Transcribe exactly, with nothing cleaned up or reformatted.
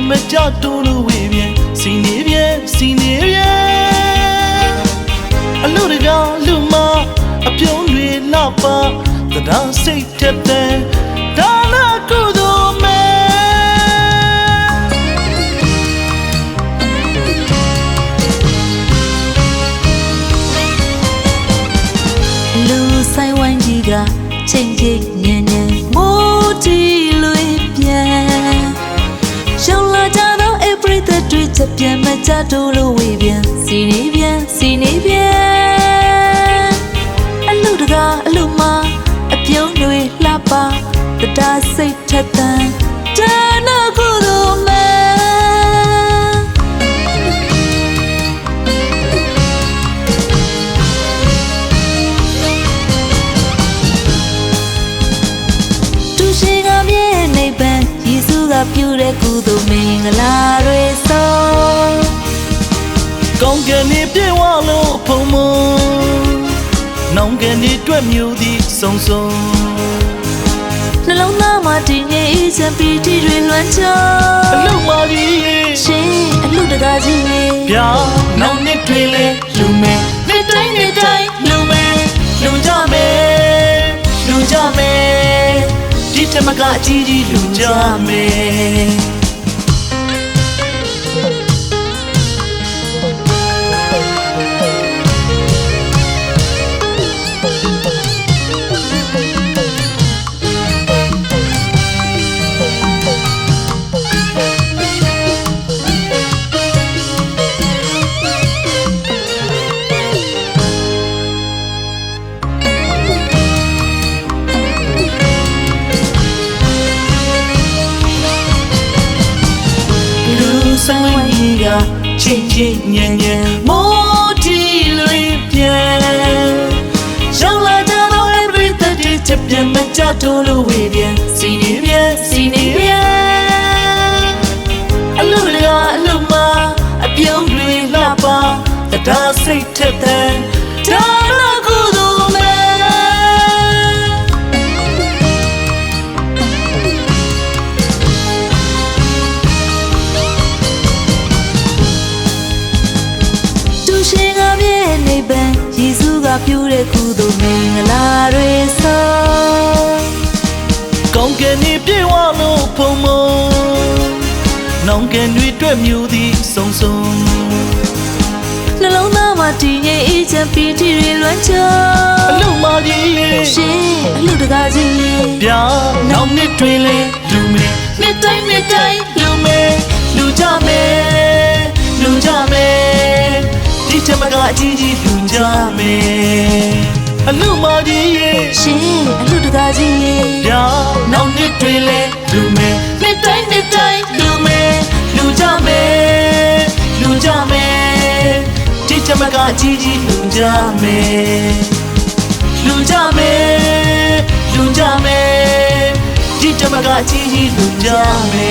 မကြတူလို့ဝေးပြန်စီနေပြန်စီနေပြန်အလူတကားလူမအပြုံးတွေလှပါတရားစိတ်ထက်တဲ့ဒါနာကုသိုလ်မဲလူဆိုင်ဝိုင်းကြီးကချိန်ချိန်ညံ့ညံ့မိုးတီလွေပြန်ရှောင်းလာကြတော့ every day တွေ့ချက်ပြန်မကြတော့လို့ဝေးပြန်စီနေပြန်စီနေပြန်အလူတကားအလူမအပြုံးတွေလှပါတရားစိတ်ထက်သန်ဒါနာကုသိုလ်မဲပြုတဲ့ကုသိုလ်မင်္ဂလာတွေဆုံးကောင်းကင်နေပြေဝလို့ဖုံမနောင်ကနေတွေ့မျိုးသည်စုံစုံနှလုံးသားမှာတည်ငြိမ်အေးချမ်းပီတိတွေလွှမ်းခြုံအလူမာကြီးရှင်အလူတကားကြီးဗျာနောင်နှစ်တွေလဲလူမဲနှစ်တိုင်းနှစ်တိုင်းလူမဲလူကြမဲလူကြမဲဒီထမကအကြီးကြီးလူကြမဲဆိုင်ဝိုင်းကြီးကချင်းချင်းညံ့ညံ့မိုးတီလွေပြန်ရှောင်းလာကြတော့ every day ချက်ပြန်မကြတော့လို့ဝေးပြန်စီနေပြန်စီနေပြန်အလူတကားအလူမအပြုံးတွေလှပါတရားစိတ်ထက်တဲ့ဒါနာကုသိုလ်မဲယေရှုကပြုတဲ့ကုသိုလ်မင်္ဂလာတွေဆုံးကောင်းကင်နေပြေဝလို့ဖုံမနောင်ကန်တွေတွေ့မျိုးသည်စုံစုံနှလုံးသားမှာတည်ငြိမ်အေးချမ်းပီတိတွေလွှမ်းခြုံအလူမာကြီးရှင်အလူတကားကြီးဗျာနောင်နှစ်တွေလဲလူမဲနှစ်တိုင်းနှစ်တိုင်းလူမဲလူကြမဲလူကြမဲဒီထမကအကြီးကြီးလူကြမဲအလူမာကြီးရှင်အလူတကားကြီးဗျာနောက်နှစ်တွေလဲလူမဲနှစ်တိုင်းနှစ်တိုင်းလူမဲလူကြမဲလူကြမဲဒီထမကအကြီးကြီးလူကြမဲလူကြမဲလူကြမဲဒီထမကအကြီးကြီးလူကြမဲ